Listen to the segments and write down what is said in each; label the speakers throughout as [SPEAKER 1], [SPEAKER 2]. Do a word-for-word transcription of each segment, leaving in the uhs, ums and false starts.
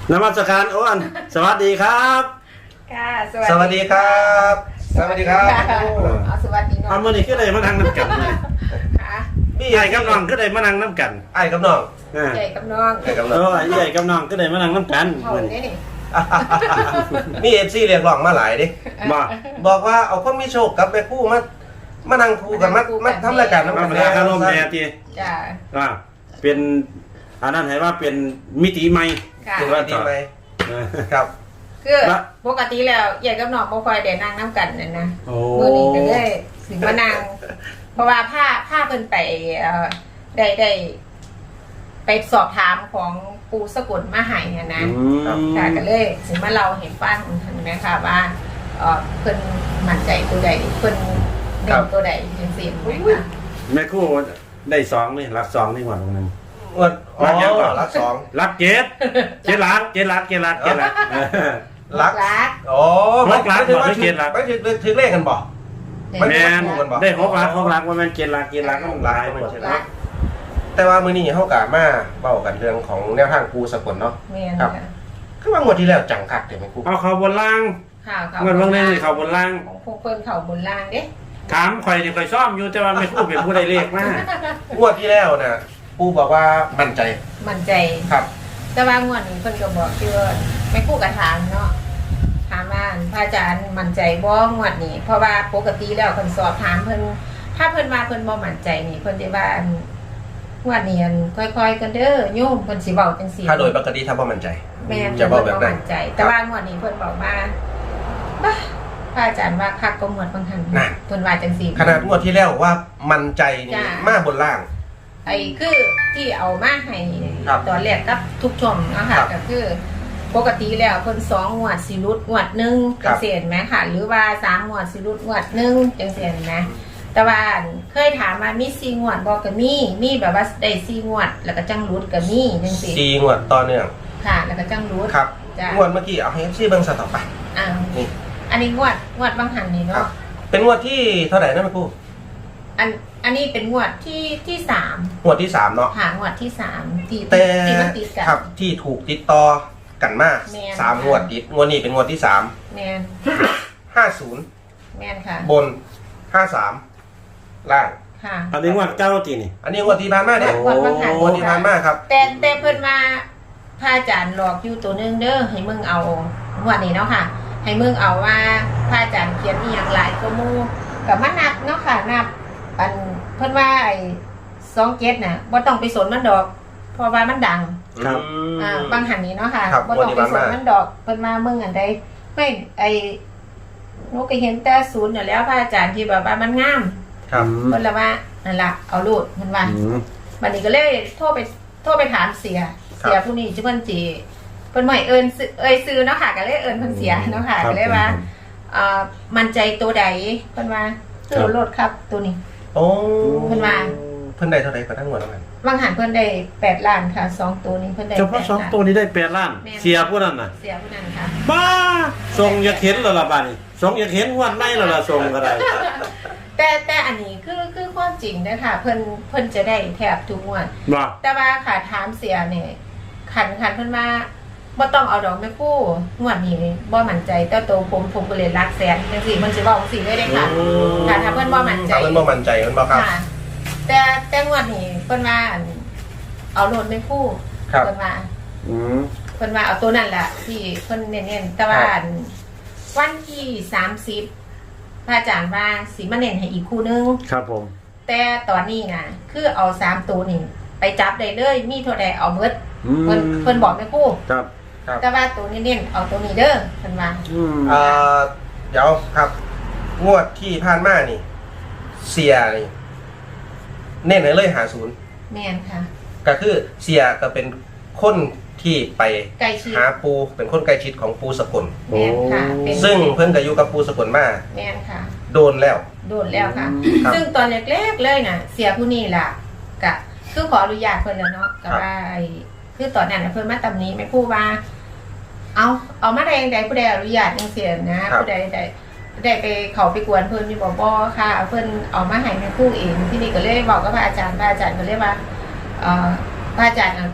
[SPEAKER 1] นมัสการอ้วนสวัสดีครับ
[SPEAKER 2] ค่ะ
[SPEAKER 3] สวัสดีครับสวัสดีครับ
[SPEAKER 2] เอาสวัสดีน้อง
[SPEAKER 1] เอามื่อนี้ก็เลยมานั่งน้ำกันเลย
[SPEAKER 2] ค่ะ
[SPEAKER 3] พี่
[SPEAKER 1] ไอ้กับน้องก็เลยมานั่งน้ำกัน
[SPEAKER 3] ไอ้กับน้อง
[SPEAKER 1] อ่า
[SPEAKER 2] ใหญ่กับน้อง
[SPEAKER 3] ไอ้กับ
[SPEAKER 1] เอ
[SPEAKER 3] น้อง
[SPEAKER 1] อไอ้กับน้องก็เลยมานั่งน้ำกัน
[SPEAKER 2] เขา
[SPEAKER 1] เหมือน
[SPEAKER 2] เนี่ยนี่
[SPEAKER 3] มีเอฟซีเรียกร้องมาหลายดิ
[SPEAKER 1] บ่
[SPEAKER 3] บอกว่าเอาคนมีโชคกับแม่คู่มามานั่งคู่กันมามาทำรายการน้ำ
[SPEAKER 1] มา
[SPEAKER 3] กัน
[SPEAKER 1] เวลาคารมแม่ที
[SPEAKER 2] จ้า
[SPEAKER 1] ว่าเป็นอันนั้นให้ว่าเป็นมิติใหม่
[SPEAKER 2] ค่ะ
[SPEAKER 3] เป็นว่าดีไหม
[SPEAKER 1] เออ
[SPEAKER 3] ครับ
[SPEAKER 2] คือปกติแล้วใหญ่กับน้องบ่ค่อยได้นั่งน้ำกันนั่นนะ
[SPEAKER 1] โอ้
[SPEAKER 2] มื้อนี้ก็เลยถึงมานั่งเพราะว่าผ้าผ้าเพิ่นไปเอ่อได้ได้ไปสอบถามของปูสกุลมาให้เนี่ยนะ
[SPEAKER 1] อืม
[SPEAKER 2] ค่ะก็เลยถึงมาเราเห็นฟังเห็นไหมคะว่าเอ่อเพิ่นมั่นใจตัวใดเพิ่นเด่นตัวใดจังซี่ไหมคะ
[SPEAKER 1] แม่คู่ได้สองนี่รักสองนี่หว่าตรงนั้น
[SPEAKER 3] อ้วนอ๋อ
[SPEAKER 1] รักยังก่อน
[SPEAKER 3] รักสอง
[SPEAKER 1] รักเจ็ดเจ็ดรักเจ็ดรักเจ็ดรักเจ็ดรักเออ
[SPEAKER 3] รัก
[SPEAKER 2] รัก
[SPEAKER 3] อ๋อ
[SPEAKER 1] รักรัก
[SPEAKER 3] ไม่ถึง
[SPEAKER 1] บอก
[SPEAKER 3] ว่า
[SPEAKER 1] ไม่เกลียดรัก
[SPEAKER 3] ไม่ถึงถึงเลขกันบอก
[SPEAKER 1] แมนได้หกรักหกรักว่าแมนเจ็ดรักเจ็ดรักก็หลายมัน
[SPEAKER 2] รั
[SPEAKER 1] ใช่
[SPEAKER 2] ก
[SPEAKER 1] ไหม
[SPEAKER 2] รัก
[SPEAKER 3] แต่ว่ามื้อนี้เฮากะมาเว้ากันเรื่องของแนวทางครูสกลเนาะ
[SPEAKER 2] แม่น
[SPEAKER 3] ครับ
[SPEAKER 2] ค่ะ
[SPEAKER 3] คือว่างวดที่แล้วจังคักเดี๋ยวแม่ครู
[SPEAKER 1] เอาเขาบนล่าง
[SPEAKER 2] ข่าวเขา
[SPEAKER 1] เงินบางเรื่องนี่เขาบนล่าง
[SPEAKER 2] ของพวกเพิ่นเขาบนล่างเด้
[SPEAKER 1] ถามข่อยนี่ข่อยซ่อมอยู่แต่ว่าไม่คู่เป็นผู้ใดเลขมาก
[SPEAKER 3] งวดที่แล้วน่ะครูบอกว่ามั่นใจ
[SPEAKER 2] มั่นใจ
[SPEAKER 3] ครับ
[SPEAKER 2] แต่ว่างวดนี้เพิ่นก็บอกที่ว่าไม่คู่กับถามเนาะถามว่าพระอาจารย์มั่นใจบ่งวดนี้ เพราะว่าปกติแล้วเพิ่นสอบถามเพิ่นถ้าเพิ่นมาเพิ่นบ่มั่นใจนี่เพิ่นสิว่าอันงวดนี้อันค่อยๆกันเด้อโยมเพิ่นสิเว้าจังซี่
[SPEAKER 3] ถ้าโดยปกติถ้าบ่มั่นใจ
[SPEAKER 2] แม่น
[SPEAKER 3] จะบอกแบบ
[SPEAKER 2] เพิ่
[SPEAKER 3] นั้น
[SPEAKER 2] มั่นใจ แต่ว่างวดนี้เพิ่นบอกว่าบ้าพระอาจารย์ว่าคักก็งวดบางทัน
[SPEAKER 3] นั่น
[SPEAKER 2] เพิ่นว่าจังซี่
[SPEAKER 3] ขนาดงวดที่แล้วว่ามั่นใจนี่
[SPEAKER 2] จ้ะ
[SPEAKER 3] มาบนล่าง
[SPEAKER 2] ไอ้คือที่เอามาให้
[SPEAKER 3] ครับ
[SPEAKER 2] ตอนแรกกับทุกชมเนาะค่ะ
[SPEAKER 3] ครับ
[SPEAKER 2] ก็คือ ปกติแล้วเพิ่นสองงวดสิรุดงวดหนึ่ง
[SPEAKER 3] ครั
[SPEAKER 2] จั
[SPEAKER 3] บ
[SPEAKER 2] งซี่เห็นไหมค่ะ หรือว่าสามงวดสิรุดงวดหนึ่งจังซี่เห็นไหมแต่ว่าเคยถามมามีสี่งวดบ่ก็มีมีแบบว่าได้สี่งวด แล้วก็จังรุดก็มีจังซี่
[SPEAKER 3] สี่งวดต่อเนื่อง
[SPEAKER 2] ค่ะ แล้วก็จังรุด
[SPEAKER 3] ครับ
[SPEAKER 2] จ้ะ
[SPEAKER 3] งวดเมื่อกี้เอาให้ซี่เบิ่งสต่อไป
[SPEAKER 2] อ้าว
[SPEAKER 3] นี่
[SPEAKER 2] อันนี้งวดงวดบางหันนี่
[SPEAKER 3] ครับ
[SPEAKER 2] เนาะ
[SPEAKER 3] เป็นงวดที่เท่าไหร่นะแม่ครู
[SPEAKER 2] อันอันนี้เป็นงวดที่ที่สาม
[SPEAKER 3] งวดที่สามเนาะ
[SPEAKER 2] ค่ะงวดที่สามที่
[SPEAKER 3] แต่
[SPEAKER 2] ที่มันติดกัน
[SPEAKER 3] ครับที่ถูกติดต่อกันมา
[SPEAKER 2] แม่น
[SPEAKER 3] สามงวดติดงวดนี้เป็นงวดที่สาม
[SPEAKER 2] แมน
[SPEAKER 3] ห้าศูนย์
[SPEAKER 2] แมนค่ะ
[SPEAKER 3] บนห้าสามล่าง
[SPEAKER 2] ค่ะ
[SPEAKER 1] อันนี้ว่าเก้าตีนี่
[SPEAKER 3] อันนี้งวดที่ผ่านมาเนี่ย
[SPEAKER 2] งวดบางหัน
[SPEAKER 3] งวดที่ผ่านมาครับ
[SPEAKER 2] แต่แต่เพิ่นมาพระอาจารย์หลอกอยู่ตัวหนึงเด้อให้มึงเอางวดนี้เนาะค่ะ ให้มึงเอาว่าพระอาจารย์เขียนอีหยังหลายก็มูกับมานับเนาะค่ะนับอันเพิ่นว่าไอ้สองเจ็ดน่ะบ่ต้องไปสนมันดอก เพราะว่ามันดัง
[SPEAKER 1] ครับ
[SPEAKER 3] อืม
[SPEAKER 2] อ่าบางหันนี้เนาะค่ะ
[SPEAKER 3] ครับ
[SPEAKER 2] บ่ต้องไปสน
[SPEAKER 3] งวดที่ผ่านมามั
[SPEAKER 2] มันดอกเพิ่นมามึงอันใดไม่ไอ้หนูก็เห็นแต่ศูนย์น่ะแล้วพระอาจารย์ที่แบบว่ามันงาม
[SPEAKER 3] ครับ
[SPEAKER 2] เพิ่นละว่านั่นล่ะเอาโลดเพิ่นว่า
[SPEAKER 1] อืม
[SPEAKER 2] วันนี้ก็เลยโทรไปโทรไปถามเสีย เสียผู้นี้ชื่อเพิ่นจีเพิ่นบ่ให้เอิ้นซื้อเอ้ยซื้อเนาะค่ะก็เลยเอิ้นเพิ่นเสียเนาะค่ะก็เลยว่าเอ่อมั่นใจตัวใดเพิ่นว่าซื้อรถครับตัวนี้
[SPEAKER 3] โอ้
[SPEAKER 2] เพิ่นว่า
[SPEAKER 3] เพิ่นได้เท่าไหร่กระทั่งงวดแล้วกัน
[SPEAKER 2] บางหันเพิ่นได้แปดล้านค่ะสองตัวนี้เพิ่นได้
[SPEAKER 1] เฉพาะสองตัวนี้ได้แปดล้าน เสียผู้นั้นน่ะ
[SPEAKER 2] เสียผู้นั้นค่ะ
[SPEAKER 1] บ้าทรงอยากเห็นแล้วล่ะบ้านี่ทรงอยากเห็นงวันไหนแล้วล่ะทรงก็ได้
[SPEAKER 2] แต่แต่อันนี้คือคือความจริงนะคะเพิ่นเพิ่นจะได้แทบทุกงวด
[SPEAKER 1] บ่
[SPEAKER 2] แต่ว่าค่ะถามเสียเนี่ยขันขันเพิ่นว่าบ่ต้องเอาดอกไม้กู้งวดนี้บ่มั่นใจแต่ตัวผมผมก็เลยรักแสนจังซี่มันสิเว้าจังซี่เลยเด้ค่ะค่ะถ้าเพิ่นบ่มั่นใจ
[SPEAKER 3] ถ้าเพิ่นบ่มั่นใจเพิ่นบ่ครับ
[SPEAKER 2] ค่ะ แต่แต่งวดนี้เพิ่นว่าอั่นเอาโลดไม้กู้
[SPEAKER 3] ครับ
[SPEAKER 2] เพิ่นว่า
[SPEAKER 1] อืม
[SPEAKER 2] เพิ่นว่าเอาตัวนั่นล่ะที่เพิ่นเน้นๆแต่ว่า
[SPEAKER 3] ครับ
[SPEAKER 2] อั่นวันที่สามสิบพระอาจารย์ว่าสิมาเน้นให้อีกคู่นึง
[SPEAKER 1] ครับผม
[SPEAKER 2] แต่ตอนนี้น่ะคือเอาสามตัวนี่ไปจับได้เลยมีเท่าใดเอาหมด
[SPEAKER 1] อืม
[SPEAKER 2] เพิ่นเพิ่นบอกไม่กู้
[SPEAKER 1] ครับ
[SPEAKER 3] ครับ
[SPEAKER 2] แต่ว่าตัวนี้เน้นเอาตัวนี้เด้อเพิ่นว่า
[SPEAKER 1] อืม
[SPEAKER 3] เอ่อเดี๋ยวครับ งวดที่ผ่านมานี่ เสียนี่เน้นให้เลยหาศูนย์
[SPEAKER 2] แม่นค่ะ
[SPEAKER 3] ก็คือเสียก็เป็นคนที่ไป
[SPEAKER 2] ใกล้ชิด
[SPEAKER 3] หาปูเป็นคนใกล้ชิดของปูสกล
[SPEAKER 2] แม่นค่ะเป็น
[SPEAKER 3] ซึ่งเพิ่นก็อยู่กับปูสกลมา
[SPEAKER 2] แม่นค่ะ
[SPEAKER 3] โดนแล้ว
[SPEAKER 2] โดนแล้วค่ะ
[SPEAKER 3] ครับ
[SPEAKER 2] ซึ่งตอนเล็กๆเลยน่ะ เสียผู้นี้ล่ะกะคือขออนุญาตเพิ่นแล้วเนาะก็ว่าไอ้คือตอนนั้นน่ะเพิ่นมาตำหนี้แม่ครูว่า เอาเอามาได้จังไดผู้ใดอนุญาตจังซี่นะผู้ใดได้ได้ไปเขาไปกวนเพิ่นอยู่บ่บ่ค่ะเพิ่นเอามาให้แม่ครูเองที่นี่ก็เลยบอกกับพระอาจารย์พระอาจารย์ก็เลยว่าเอ่อพระอาจารย์น่ะใ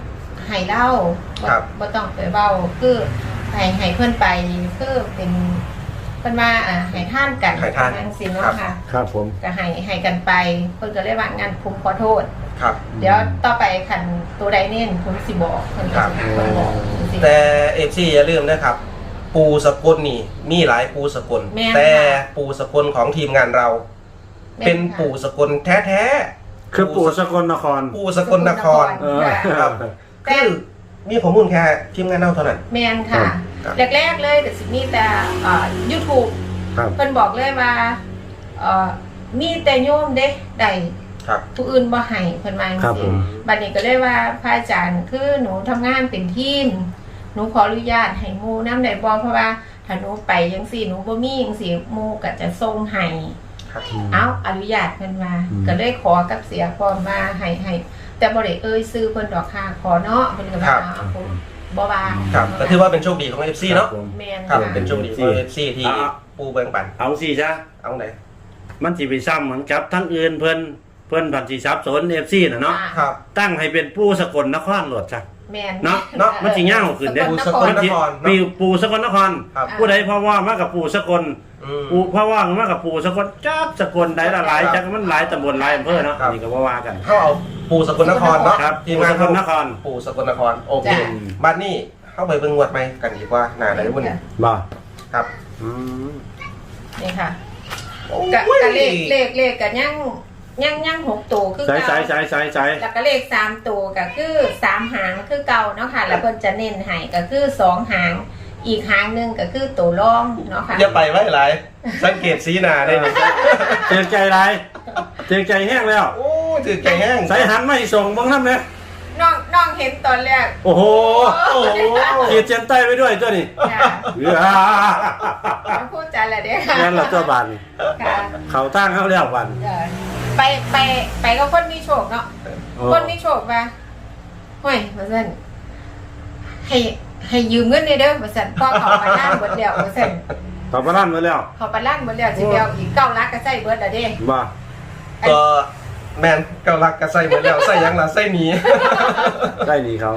[SPEAKER 2] ให้เล่าบ่
[SPEAKER 3] ครับ
[SPEAKER 2] บ่ต้องไปเว้าคือให้ให้เพิ่นไปคือเป็นเพิ่นว่าอ่าให้ท่านกัน
[SPEAKER 3] ให้ท่าน
[SPEAKER 2] จังซี่
[SPEAKER 3] ครั
[SPEAKER 2] เนาะ
[SPEAKER 3] บ
[SPEAKER 2] ค่ะ
[SPEAKER 1] ครับผม
[SPEAKER 2] ก็ให้ให้กันไปเพิ่นก็เลยว่างานผมขอโทษ
[SPEAKER 3] ครับ
[SPEAKER 2] เดี๋ยวต่อไปคันตัวใดเน้นผมสิบอกเพิ่นก็สิเพิ่นบอกจังซี้
[SPEAKER 3] แต่เอฟซีอย่าลืมนะครับ ปูสกลนี่มีหลายปูสกล
[SPEAKER 2] แม่น
[SPEAKER 3] แต่
[SPEAKER 2] ค่ะ
[SPEAKER 3] ปูสกลของทีมงานเรา เป็นปูสกลแท้ๆ
[SPEAKER 1] คือปู่สกลนคร
[SPEAKER 3] ปูสกลนคร
[SPEAKER 1] เออ
[SPEAKER 3] ครับ คือมีข้อมูลแค่ทีมงานเราเท่านั้น
[SPEAKER 2] แม่นค่ะ
[SPEAKER 3] ครับ
[SPEAKER 2] แรกๆเลยแต่สิมีแต่เอ่อ YouTube
[SPEAKER 1] ครับ
[SPEAKER 2] เพิ่นบอกเลยว่าเอ่อมีแต่โยมเด้ได้
[SPEAKER 3] ครับ
[SPEAKER 2] ผู้อื่นบ่ให้เพิ่นว่าจัง
[SPEAKER 1] ครับผ
[SPEAKER 2] ซี่
[SPEAKER 1] ม
[SPEAKER 2] บัดนี้ก็เลยว่าพระอาจารย์คือหนูทำงานเป็นทีมหนูขออนุญาตให้หมู่นำได้บ่เพราะว่าถ้าหนูไปจังซี่หนูบ่มีจังซี่หมู่ก็จะส่งให้
[SPEAKER 3] ครับ
[SPEAKER 2] เอ้าอนุญาตเพิ่นมา
[SPEAKER 1] อืม
[SPEAKER 2] ก็เลยขอกับเสียพร้อมมาให้ให้แต่บ่ได้เอ่ยชื่อเพิ่นดอกค่ะขอเนาะเพิ่นก็ว่าเอาผมบ่ว่า
[SPEAKER 3] ครับก็ถือว่าเป็นโชคดีของ เอฟ ซี เนาะ
[SPEAKER 1] ครับผม
[SPEAKER 2] แม่น
[SPEAKER 3] ครับ
[SPEAKER 2] ค่ะ
[SPEAKER 3] เป็นโชคดีของ เอฟ ซี ที่
[SPEAKER 1] อ่ะ
[SPEAKER 3] ปูแบ่งปัน
[SPEAKER 1] เอาสิจ้ะ
[SPEAKER 3] เอาไหน
[SPEAKER 1] มันสิไปซ้ำเหมือนกับทั้งอื่นเพิ่นเพิ่นผันสิซับสน เอฟ ซี น่ะเนาะ
[SPEAKER 3] ครับ
[SPEAKER 1] ตั้งให้เป็นปู่สกลนครโลดจ้ะ
[SPEAKER 2] แม่น
[SPEAKER 1] เนาะเนาะมันสิยาวขึ้นเด้
[SPEAKER 3] ปู่สกลนคร
[SPEAKER 1] มีปู่สกลนคร
[SPEAKER 3] ครับ
[SPEAKER 1] ผู้ใดเพราะว่ามากับปู่สกล
[SPEAKER 3] อืม
[SPEAKER 1] ปู่เพราะว่ามากับปู่สกลจักสกลใดละหลาย
[SPEAKER 3] ครับ
[SPEAKER 1] จักมันหลายตำบลหลายอำเภอเนาะ
[SPEAKER 3] ครับ
[SPEAKER 1] นี่ก็ว่าว่ากัน
[SPEAKER 3] เขาเอาปูสกลนครเนาะ
[SPEAKER 1] ครับ
[SPEAKER 3] ทีมงาน
[SPEAKER 1] ปู่สกลนคร
[SPEAKER 3] ปูสกลนครโอเค
[SPEAKER 2] จ้ะ
[SPEAKER 3] บ้านนี้เข้าไปเบิ่งงวดไหมกันดีกว่าหนาไหนบุญ
[SPEAKER 1] บ่
[SPEAKER 3] ครับ
[SPEAKER 1] อืม
[SPEAKER 2] นี่ค่ะ
[SPEAKER 3] โอ้
[SPEAKER 2] กะ
[SPEAKER 3] ย
[SPEAKER 2] กะเลขเลขเลขกะยังยังยังหกตัวคือ
[SPEAKER 1] ใส่
[SPEAKER 2] เก่า
[SPEAKER 1] ใส่ใส่ใส่ใส่
[SPEAKER 2] แล้วก็เลขสามตัวก็คือสามหางคือเก่าเนาะค่ะ แล้วเพิ่นจะเน้นให้ก็คือสองหาง อีกหางหนึงก็คือตัวรองเนาะค่ะ
[SPEAKER 3] อย่าไปไว้หลายสังเกตสีหนาได้ไหม
[SPEAKER 1] เตือนใจไรเตือนใจแห้งแล้ว
[SPEAKER 3] โอ้ถือใจแห้ง
[SPEAKER 1] ใส่หันมาให้ส่งบ้างน้ำเนี่ย
[SPEAKER 2] น้องน้องเห็นตอนแรก
[SPEAKER 1] โอ้โห
[SPEAKER 3] โอ้โห
[SPEAKER 1] ขีดเส้นใต้ไว้ด้วยตัวนี้
[SPEAKER 2] ค่ะ
[SPEAKER 1] เออ
[SPEAKER 2] แล้วพูดจาอะไรเด้อค่ะ
[SPEAKER 1] นั่นแหละตัวบัน
[SPEAKER 2] ค่ะ
[SPEAKER 1] เขาตั้งเขาแล้วบัน
[SPEAKER 2] เออไปไปไปกับคนมีโชคเนาะ
[SPEAKER 1] โอ้
[SPEAKER 2] คนมีโชคว่าห้อยว่าซั่นให้ให้ยืมเงินได้เด้อว่าซั่นพ่อเขามาล้านเบิดแล้วว่าซั่น
[SPEAKER 1] เขาประลั่นมาแล้ว
[SPEAKER 2] เขามาล้านเบิดแล้วสิไปเอาอีกเก้าลักก็ใส่เบิดแล้วเด้
[SPEAKER 1] บ่
[SPEAKER 3] ก็แมนเกาลักกระใส่เหมือนแล้วใส่หยังล่ะใส่หนี
[SPEAKER 1] ได้ดีเขา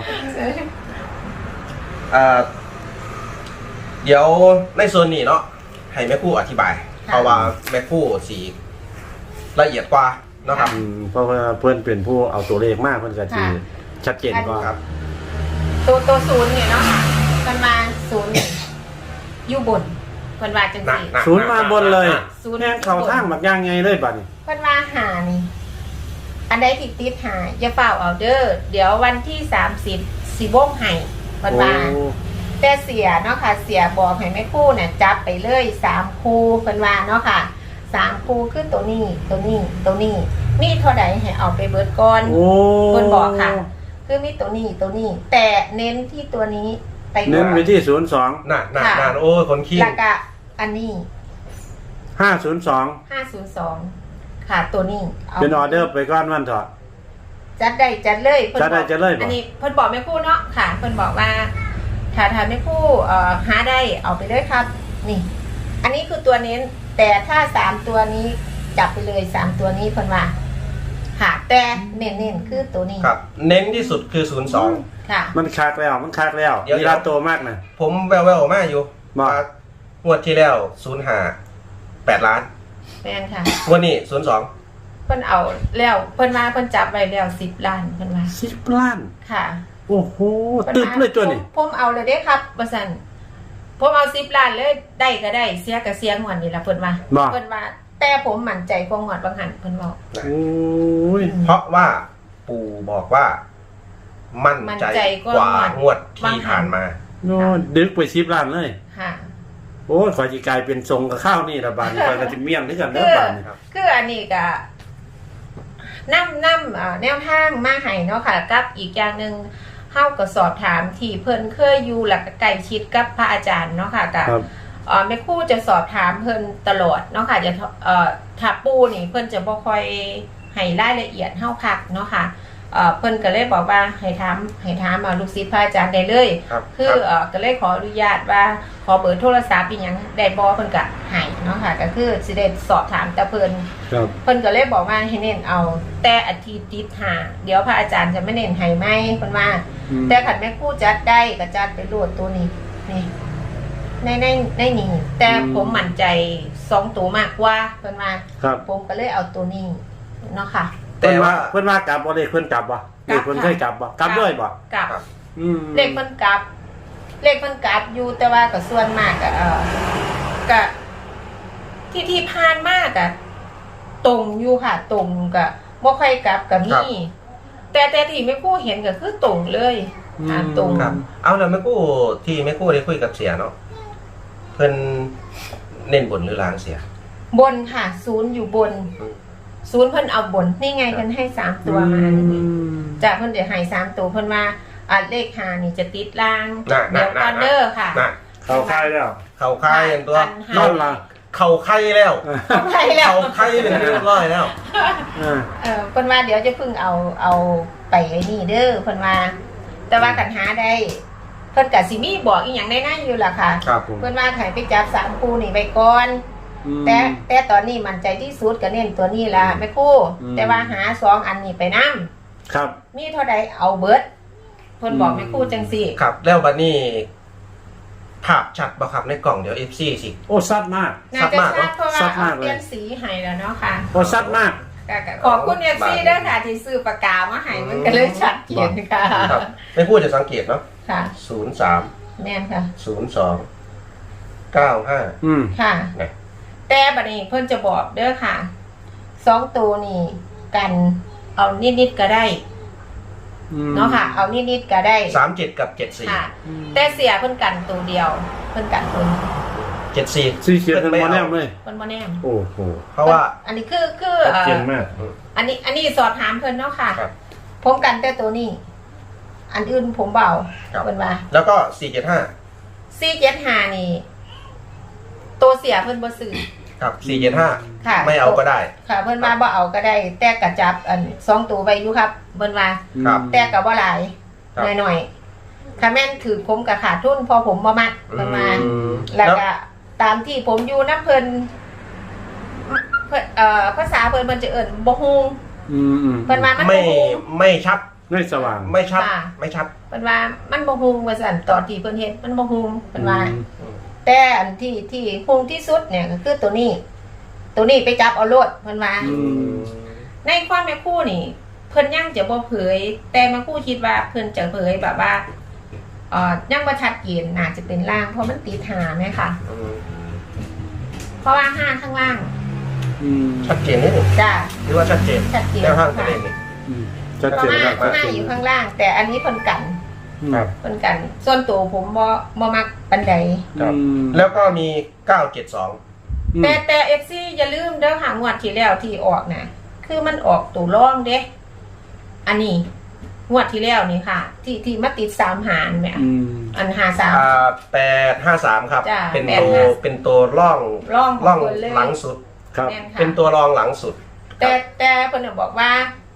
[SPEAKER 3] อ่าเดี๋ยวในส่วนนี้เนาะให้แม่ครู่อธิบาย เพราะว่าแม่ครู่สีละเอียดกว่าเนาะครับ
[SPEAKER 1] อืมเพราะว่าเพื่อนเป็นผู้เอาตัวเลขมากเพื่อนก็จะชัดเจนกว่า
[SPEAKER 3] ครับ
[SPEAKER 2] ตัวตัวศูนย์เนี่ยเนาะค่ะมันมาศูนย์อยู่บนเพิ่นว่าจังซี่
[SPEAKER 3] หนัก
[SPEAKER 1] ศูนย์มาบนเลย
[SPEAKER 2] ศูนย์
[SPEAKER 1] แห้งเขาทางบักย่างไงเลยบัดนี้
[SPEAKER 2] เพิ่นว่าหานี่ อันใดที่ติดหาอย่าเฝ้าเอาเด้อเดี๋ยววันที่สามสิบสิบ่งให้เพิ่นว่า
[SPEAKER 1] โอ้
[SPEAKER 2] แต่เสียเนาะค่ะ เสียบอกให้แม่ครู่เนี่ยจับไปเลยสามคู่เพิ่นว่าเนาะค่ะสามคู่คือตัวนี้ตัวนี้ตัวนี้มีเท่าใดให้เอาไปเบิดก่อน
[SPEAKER 1] โอ้
[SPEAKER 2] เพิ่นบอกค่ะ คือมีตัวนี้ตัวนี้ แต่เน้นที่ตัวนี้ไป
[SPEAKER 1] เน้นไปที่ศูนย์สอง
[SPEAKER 3] หนักหนักหนักโอ้ยคนขี้
[SPEAKER 2] แล้วก็อันนี้
[SPEAKER 1] ห้าศูนย์สอง
[SPEAKER 2] ห้าศูนย์สองค่ะตัวนี้า
[SPEAKER 1] เป็นออเดอร์ไปก้อนวันเถอะ
[SPEAKER 2] จัดได้จัดเลยพิ่น
[SPEAKER 1] จัดได้
[SPEAKER 2] บอก
[SPEAKER 1] จัดเลยบอก
[SPEAKER 2] อันนี้เพิ่นบอกแม่ครู่เนาะค่ะเพิ่นบอกว่าถ้าถ้าแม่ครู่เอ่อหาได้เอาไปเลยครับ นี่ อันนี้คือตัวเน้น แต่ถ้าสามตัวนี้จับไปเลยสามตัวนี้เพิ่นว่าค่ะแต่เน้นๆคือตัวนี้
[SPEAKER 3] ครับ เน้นที่สุดคือศูนย์สอง
[SPEAKER 2] ค่ะ
[SPEAKER 1] มันคักแล้วมันคักแล้ว
[SPEAKER 3] เดี๋ยว
[SPEAKER 1] มีราโตมากนะ
[SPEAKER 3] ผมแววแววๆมาอยู่
[SPEAKER 1] บอก
[SPEAKER 3] ว่างวดที่แล้วศูนย์หาแปดล้าน
[SPEAKER 2] แม่นค่ะ
[SPEAKER 3] งวดนี้ศูนย์สอง
[SPEAKER 2] เพิ่นเอาแล้วเพิ่นมาเพิ่นจับไว้แล้วสิบล้านเพิ่นว่า
[SPEAKER 1] สิบล้าน
[SPEAKER 2] ค่ะ
[SPEAKER 1] โอ้โห
[SPEAKER 2] พิ่น
[SPEAKER 1] ตึบ
[SPEAKER 2] มา
[SPEAKER 1] เลยตัวนี้
[SPEAKER 2] ผมผมเอาเลยเด้ครับว่าซั่นผมเอาสิบล้านเลยได้ก็ได้เสียก็เสียงวดนี่ล่ะเพิ่นว่า
[SPEAKER 1] บอก
[SPEAKER 2] เพิ่นว่า แต่ผมมั่นใจกว่างวดบางหันเพิ่นบอก
[SPEAKER 1] โอ้ย
[SPEAKER 3] เพราะว่าปู่บอกว่า มั่น
[SPEAKER 2] มั่น
[SPEAKER 3] ใจ
[SPEAKER 2] ใจ
[SPEAKER 3] ก
[SPEAKER 2] กว่า
[SPEAKER 3] ว่างวดที่ผ่านมา
[SPEAKER 1] โน่ดึกไปสิบล้านเลย
[SPEAKER 2] ค่ะ
[SPEAKER 1] โอ้ยขอจีกลายเป็นทรงกับข้าวนี่ละบาดนคอยกระติเมี่ยงด้วยกันเด้อบาดน
[SPEAKER 3] ครับ
[SPEAKER 2] คืออันนี้ก็นำนำอ่าแนวทางมาให้เนาะค่ะกับอีกอย่างหนึงเฮาก็สอบถามที่เพิ่นเคยอยู่หลักใกล้ชิดกับพระอาจารย์เนาะค่ะกับ
[SPEAKER 1] ครับ
[SPEAKER 2] เอ่อแม่ครู่จะสอบถามเพิ่นตลอดเนาะค่ะจะเอ่อถ้าปูนี่เพิ่นจะบ่ค่อยให้รายละเอียดเฮาคักเนาะค่ะเอ่อเพิ่นก็เลยบอกว่าให้ถามให้ถามเอาลูกศิษย์พระอาจารย์ได้เลย
[SPEAKER 3] ครับ
[SPEAKER 2] คือเอ่อก็เลยขออนุญาตว่าขอเบอร์โทรศัพท์อีหยังได้บ่เพิ่นก็ให้เนาะค่ะก็คือสิได้สอบถามแต่เพิ่น
[SPEAKER 1] ครับ
[SPEAKER 2] เพิ่นก็เลยบอกว่าให้เน้นเอาแต่อาทิตย์ติดหาเดี๋ยวพระอาจารย์จะไม่เน้นให้ไหมเพิ่นว่า
[SPEAKER 1] อืม
[SPEAKER 2] แต่ขันแม่ครู่จัดได้ก็จัดไปโหลดตัวนี้นี่ในในในนี้แต่ผมมั่นใจสองตัวมากกว่าเพิ่นว่า
[SPEAKER 1] ครับ
[SPEAKER 2] ผมก็เลยเอาตัวนี้เนาะค่ะ
[SPEAKER 3] แต่
[SPEAKER 1] เพิ่นว่า
[SPEAKER 3] ว่า
[SPEAKER 1] เพิ่นว่ากลับบ่เลขเพิ่นกลับบ่เลขเพิ่นเคยกลับบ่กลับด้วยบ่
[SPEAKER 2] กลับ
[SPEAKER 3] ครับ
[SPEAKER 1] อืม
[SPEAKER 2] เลขเพิ่นกลับ เลขเพิ่นกลับอยู่แต่ว่าก็ส่วนมากก็เอ่อก็ที่ที่ผ่านมากอะตรงอยู่ค่ะ ตรงก็บ่ค่อยกลับก็มีแต่แต่ที่แม่ครู่เห็นก็คือตรงเลยอ่าตรง
[SPEAKER 3] ครับ เอาแล้วแม่กู้ที่แม่กู้ได้คุยกับเสียเนาะเพิ่นเน้นบนหรือลางเสีย
[SPEAKER 2] บนค่ะ ศูนย์อยู่บน
[SPEAKER 3] อืม
[SPEAKER 2] ศูนย์เพิ่นเอาบนนี่ไงเพิ่นให้สามตัวมานี่จะเพิ่นเดี๋ยวให้สามตัวเพิ่นว่าอ่าเลขหานี่จะติดล่าง
[SPEAKER 3] น่ะ
[SPEAKER 2] เดี๋ยว
[SPEAKER 3] น่ะ
[SPEAKER 2] กันเดอร์ค่ะ
[SPEAKER 3] น่ะ
[SPEAKER 1] เข้าค่ายแล้ว
[SPEAKER 3] เข่าไข่อย่างตัว
[SPEAKER 2] อันห้า
[SPEAKER 1] นั่นล่ะ
[SPEAKER 3] เข่าไข่แล้ว
[SPEAKER 2] เอาไปแล้ว
[SPEAKER 3] เข่าไข่เป็นเรียบร้อยแล้ว
[SPEAKER 1] อ่า
[SPEAKER 2] เออเพิ่นว่าเดี๋ยวจะเพิ่งเอาเอาไปไอ้นี่เด้อเพิ่นว่า แต่ว่ากันหาได้เพิ่นก็สิมีบอกอีหยังได้นั่นอยู่ล่ะค่ะ
[SPEAKER 3] ครับผม
[SPEAKER 2] เพิ่นว่าให้ไปจับสามคู่นี่ไว้ก่อน
[SPEAKER 1] อืม
[SPEAKER 2] แต่แต่ตอนนี้มั่นใจที่สุดก็เน้นตัวนี้ล่ะแม่ครู่
[SPEAKER 1] อืม
[SPEAKER 2] แต่ว่าหาสองอันนี้ไปนำ
[SPEAKER 1] ครับ
[SPEAKER 2] มีเท่าใดเอาเบิดเพิ่นบอกแม่ครู่จังซี่
[SPEAKER 3] ครับ แล้วบัดนี้ภาพชัดบ่ครับในกล่องเดี๋ยว เอฟ ซี สิ
[SPEAKER 1] โอ้ซัดมาก
[SPEAKER 2] น่าจะชัดเพราะว่า
[SPEAKER 1] ชัด
[SPEAKER 2] เอา
[SPEAKER 1] มากเลย
[SPEAKER 2] เปลี่ยนสีให้แล้วเนาะค่ะ
[SPEAKER 1] โอ้ซัดมาก
[SPEAKER 2] ก็ก็ขอบคุณเอฟซีด้วยค่ะที่ซื้อปากกามาให้มันก็เลยชัดเจนค่ะ
[SPEAKER 3] ครับแม่กู้จะสังเกตเนาะ
[SPEAKER 2] ค่ะ
[SPEAKER 3] ศูนย์สาม
[SPEAKER 2] แม่นค่ะ
[SPEAKER 3] ศูนย์สองเก้าห้า
[SPEAKER 1] อืม
[SPEAKER 2] ค่ะ
[SPEAKER 3] ไง
[SPEAKER 2] แต่บัดนี้เพิ่นจะบอกเด้อค่ะสองตัวนี่กันเอานิดๆก็ได้
[SPEAKER 1] อืม
[SPEAKER 2] เนาะค่ะ เอานิดๆก็ได้
[SPEAKER 3] สามเจ็ดกับเจ็ดสี่
[SPEAKER 2] ค่ะ แต่เสียเพิ่นกันตัวเดียว เพิ่นกันตัวนี้
[SPEAKER 3] เจ็ดสี่
[SPEAKER 1] สีเขียวทั้งหมดแนมเลย
[SPEAKER 2] เพิ่นบ่แน่
[SPEAKER 1] โอ้โห
[SPEAKER 3] เพราะว่า
[SPEAKER 2] อันนี้คือคือ
[SPEAKER 1] ชัด
[SPEAKER 2] เอ่
[SPEAKER 1] เจ
[SPEAKER 2] อน
[SPEAKER 1] มาก
[SPEAKER 2] อันนี้ อันนี้สอบถามเพิ่นเนาะค่ะ
[SPEAKER 3] ครับ
[SPEAKER 2] ผมกันแต่ตัวนี้ อันอื่นผมเบา
[SPEAKER 3] ครับ
[SPEAKER 2] เพิ่นว่า
[SPEAKER 3] แล้วก็สี่เจ็ดห้า
[SPEAKER 2] สี่เจ็ดห้านี่ ตัวเสียเพิ่นบ่ซื้อ
[SPEAKER 3] ครับสี่เจ็ดห้า
[SPEAKER 2] ค่ะ
[SPEAKER 3] ไม่เอาก็ได้
[SPEAKER 2] ค่ะ เพิ่นว่าบ่เอาก็ได้ แต่กระจับอันสองตัวไว้อยู่ครับเพิ่นว่า
[SPEAKER 3] ครับ
[SPEAKER 2] แต่ก็บ่หลาย
[SPEAKER 3] ครับ
[SPEAKER 2] หน่อยๆค่ะแม่นถือผมก็ขาดทุนเพอผมบ่มักเพิ่นว่า
[SPEAKER 3] อืม
[SPEAKER 2] แล้วก็ตามที่ผมอยู่นํเพิ่นเพิ่นเอ่อภาษาเพิ่นเพิ่นจะเอิ้นบ่ฮู้
[SPEAKER 1] อืมอืม
[SPEAKER 2] เพิ่นว่ามัน
[SPEAKER 3] ไม่
[SPEAKER 2] บ่ฮู้
[SPEAKER 3] ไม่ชัด
[SPEAKER 1] ไม่สว่าง
[SPEAKER 3] ไม่ชัด
[SPEAKER 2] ค่ะ
[SPEAKER 3] ไม่ชัด
[SPEAKER 2] เพิ่นว่ามันบ่ฮู้ว่าซั่นตอนที่เพิ่นเฮ็ดมันบ่ฮู้เพิ่นว่า
[SPEAKER 1] อืม
[SPEAKER 2] แต่อันที่ที่ฮู้ที่สุดเนี่ยก็คือตัวนี้ ตัวนี้ไปจับเอาโลดเพิ่นว่า
[SPEAKER 1] อืม
[SPEAKER 2] ในความแม่ครู่นี่ เพิ่นยังจะบ่เผย แต่แม่ครู่คิดว่าเพิ่นจะเผยแบบว่าเอ่อยังบ่ชัดเจนน่าจะเป็นล่างเพราะมันติดหาแม่ค่ะ
[SPEAKER 3] อืม
[SPEAKER 2] เพราะว่าห้าข้างล่าง
[SPEAKER 1] อืม
[SPEAKER 3] ชัดเจนนิดหนึ่ง
[SPEAKER 2] จ้า
[SPEAKER 3] หรือว่าชัดเจน
[SPEAKER 2] ชัดเจน
[SPEAKER 3] แนวทางตัวเองนี่
[SPEAKER 1] อืมชัด
[SPEAKER 2] เพ
[SPEAKER 1] เจ
[SPEAKER 2] ราะ
[SPEAKER 1] น
[SPEAKER 2] ว่า
[SPEAKER 1] มากชัด
[SPEAKER 2] ห้า
[SPEAKER 1] เจน
[SPEAKER 2] อยู่ข้างล่าง แต่อันนี้เพิ่นกัน
[SPEAKER 3] ครับ
[SPEAKER 2] เพิ่นกัน ส่วนตัวผมบ่บ่มักปานใด
[SPEAKER 3] ครับ
[SPEAKER 1] อืม
[SPEAKER 3] แล้วก็มีเก้าเจ็ดสอง
[SPEAKER 1] อืม
[SPEAKER 2] แต่แต่ เอฟ ซี อย่าลืมเด้อค่ะงวดที่แล้วที่ออกน่ะ คือมันออกตัวร่องเด้อันนี้งวดที่แล้วนี่ค่ะ ที่ที่มาติดสามหารแม่
[SPEAKER 1] อืม
[SPEAKER 2] อันหาสาม
[SPEAKER 3] อ่าแปดห้าสามครับ
[SPEAKER 2] จ้ะ
[SPEAKER 3] เป็น
[SPEAKER 2] แปด
[SPEAKER 3] ตัว
[SPEAKER 2] ห้า
[SPEAKER 3] เป็นตัวร่อง
[SPEAKER 2] ร่องของ
[SPEAKER 3] ร่อง
[SPEAKER 2] คนเลย
[SPEAKER 3] หลังสุด
[SPEAKER 1] ครับ
[SPEAKER 2] แม่นค่ะ
[SPEAKER 3] เป็นตัวรองหลังสุด
[SPEAKER 2] แต่แต่เพิ่นนะบอกว่า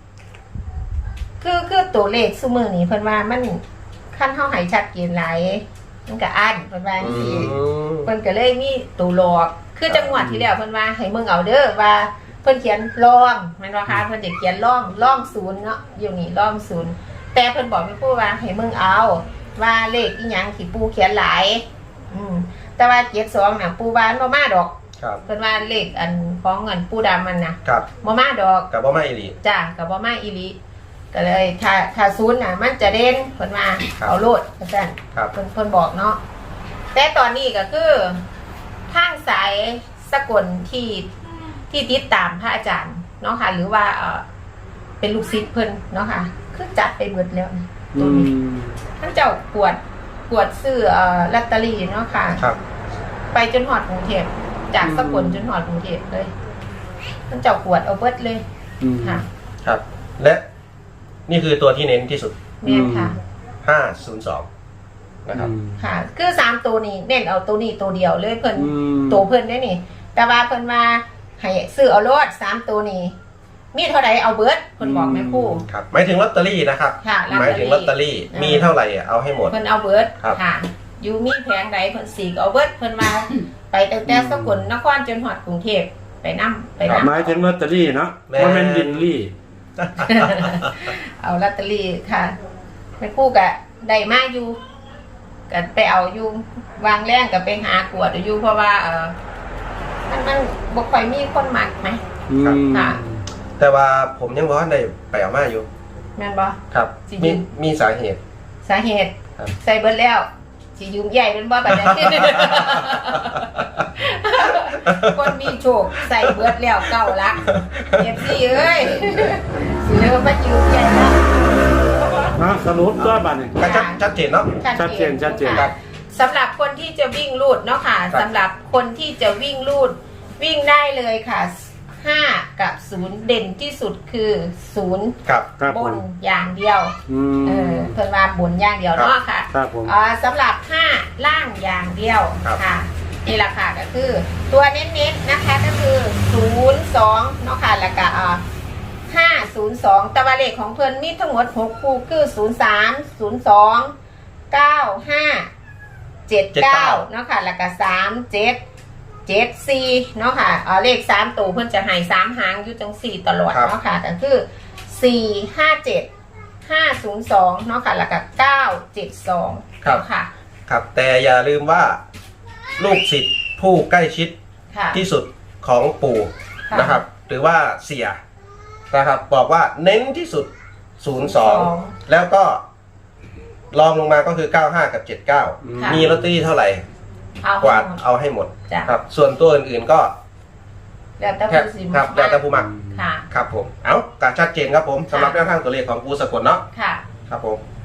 [SPEAKER 2] คือคือตัวเลขซุมือนี้เพิ่นว่ามันขั้นเฮาให้ชัดเจนหลายมันก็อันเพิ่นว่าจังซี่
[SPEAKER 3] อืม
[SPEAKER 2] เพิ่นก็เลยมีตัวหลอก คือจังหวัดที่แล้วเพิ่นว่าให้มึงเอาเด้อว่า เพิ่นเขียนร่องแม่นบ่คะเพิ่นจะเขียนร่องร่องศูนย์เนาะอยู่นี่ร่องศูนย์แต่เพิ่นบอกแม่ครูว่าให้มึงเอา ว่าเลขอีหยังที่ปู่เขียนหลาย อืมแต่ว่าเจ็ดสองน่ะปู่ว่ามันบ่มาดอก
[SPEAKER 3] ครับ
[SPEAKER 2] เพิ่นว่าเลขอันของเงินปู่ดำมันน่ะ
[SPEAKER 3] ครับ
[SPEAKER 2] บ่มาดอก
[SPEAKER 3] กับว่าไม่อีหลี
[SPEAKER 2] จ้ากับว่ามาอีหลีก็เลยถ้าถ้าศูนย์น่ะ มันจะเด่นเพิ่นมา
[SPEAKER 3] ครับ
[SPEAKER 2] เอาโลดเพิ่น
[SPEAKER 3] ครับ
[SPEAKER 2] เพิ่นเพิ่นบอกเนาะแต่ตอนนี้ก็คือทางสายสกลที่ที่ติดตามพระอาจารย์เนาะค่ะ หรือว่าเออเป็นลูกศิษย์เพิ่นเนาะค่ะ คือจัดไปเบิดแล้วนะ
[SPEAKER 1] อืม
[SPEAKER 2] ท่านเจ้ากวดกวดซื้อเอ่อลอตเตอรี่เนาะค่ะ
[SPEAKER 3] ครับ
[SPEAKER 2] ไปจนหอดกรุงเทพจากสกลจนหอดกรุงเทพเลยท่านเจ้ากวดเอาเบิดเลย
[SPEAKER 1] อืม
[SPEAKER 2] ค่ะ
[SPEAKER 3] ครับ และนี่คือตัวที่เน้นที่สุด
[SPEAKER 2] แม่นค่ะ
[SPEAKER 3] ห้าศูนย์สองนะครับ
[SPEAKER 1] อืม
[SPEAKER 2] ค่ะ คือสามตัวนี้เน้นเอาตัวนี้ตัวเดียวเลยเพิ่น
[SPEAKER 1] อืม
[SPEAKER 2] ตัวเพิ่นได้นี่ แต่ว่าเพิ่นว่าให้ซื้อเอาโลดสามตัวนี้มีเท่าใดเอาเบิดเพิ่นบอกแม่ครู่
[SPEAKER 3] ครับหมายถึงลอตเตอรี่นะครับ
[SPEAKER 2] ค่ะลอต
[SPEAKER 3] ห
[SPEAKER 2] เตอรี่
[SPEAKER 3] มายถึงลอตเตอรี่มีเท่าไหร่อะเอาให้หมด
[SPEAKER 2] เพิ่นเอาเบิด
[SPEAKER 3] ครับ
[SPEAKER 2] ค่ะ อยู่มีแผงใดเพิ่นสีก็เอาเบิดเพิ่นมา ไปตั้งแต่สกลนครจนฮอดกรุงเทพไปนำไปนำ
[SPEAKER 1] หมายถึงลอตเตอรี่เนาะบ่แม่นบิลลี่
[SPEAKER 2] เอาลอตเตอรี่ค่ะแม่ครู่ก็ได้มาอยู่ก็ไปเอาอยู่วางแรงก็ไปหากวดอยู่เพราะว่าเออมันมันบ่ค่อยมีคนมักไหม
[SPEAKER 1] อืม
[SPEAKER 2] ค่ะ
[SPEAKER 3] แต่ว่าผมยังบอกว่าได้ไปเอามาอยู่
[SPEAKER 2] แม่นบ่
[SPEAKER 3] ครับ
[SPEAKER 2] จริง
[SPEAKER 3] มีมีสาเหตุ
[SPEAKER 2] สาเหตุ
[SPEAKER 3] ครับ
[SPEAKER 2] ใส่เบิดแล้วสิยืมใหญ่เป็นบ่บัดนี้ คนมีโชคใส่เบิดแล้วเก้าลักเอฟซีเอ้ยสิเลิกมายืมใหญ่แล้ว
[SPEAKER 1] ฮะสรุปตัวบัดนี้
[SPEAKER 3] ก็ชัดชัดเจนเนาะ
[SPEAKER 1] ชัดเจนชัดเจน
[SPEAKER 2] ค่ะสำหรับคนที่จะวิ่งลูดเนาะค่ะ
[SPEAKER 3] ครับ
[SPEAKER 2] สำหรับคนที่จะวิ่งลูดวิ่งได้เลยค่ะห้ากับศูนย์เด่นที่สุดคือศูนย์
[SPEAKER 3] ครับ
[SPEAKER 1] ครับ
[SPEAKER 2] บ
[SPEAKER 1] ผม
[SPEAKER 2] นอย่างเดียว
[SPEAKER 1] อื
[SPEAKER 2] เออ
[SPEAKER 1] ม
[SPEAKER 2] เพิ่นว่าบนอย่างเดียวเนาะค่ะ
[SPEAKER 1] ครับผม
[SPEAKER 2] อ่าสำหรับห้าล่างอย่างเดียว
[SPEAKER 3] ครับ
[SPEAKER 2] ค่ะนี่แหละค่ะก็คือ ตัวเน้นๆนะคะก็คือศูนย์สองเนาะค่ะแล้วก็อ่าห้าศูนย์สองตะวันเลขของเพิ่นมีทั้งหมดหกคู่คือศูนย์สามศูนย์สองเก้าห้าเจ็ดเก้าเนาะค่ะแล้วก็สามเจ็ดเจ็ดสี่เนาะค่ะอ่าเลขสามตัวเพิ่นจะให้สามหางอยู่จังสี่ตลอด
[SPEAKER 3] ครับ
[SPEAKER 2] เนาะค่ะก็คือสี่ห้าเจ็ดห้าศูนย์สองเนาะค่ะแล้วก็เก้าเจ็ดสอง
[SPEAKER 3] ครับ
[SPEAKER 2] ค่ะ
[SPEAKER 3] ครับ แต่อย่าลืมว่า ลูกศิษย์ผู้ใกล้ชิด
[SPEAKER 2] ค่ะ
[SPEAKER 3] ที่สุดของปู่
[SPEAKER 2] ค่ะ
[SPEAKER 3] นะครับ หรือว่าเสียนะครับ บอกว่าเน้นที่สุด ศูนย์สอง แล้วก็รองลงมาก็คือ เก้าห้า กับ เจ็ดเก้า
[SPEAKER 2] ค่ะ
[SPEAKER 3] มีลอตเตอรี่เท่าไหร่
[SPEAKER 2] เอา
[SPEAKER 3] กวาด
[SPEAKER 2] ให้หมด
[SPEAKER 3] เอาให้หมด
[SPEAKER 2] จ้ะ
[SPEAKER 3] ครับ ส่วนตัวอื่นๆก็
[SPEAKER 2] แล้วแต่
[SPEAKER 3] แค่
[SPEAKER 2] ผู้สิ
[SPEAKER 3] ครับแล้วแต่ผู้มัก
[SPEAKER 2] ค่ะ
[SPEAKER 3] ครับผม เอาการชัดเจนครับผมสำหรับแนวทางตัวเลขของปูสกลเนาะ
[SPEAKER 2] ค่ะ
[SPEAKER 3] ครับผม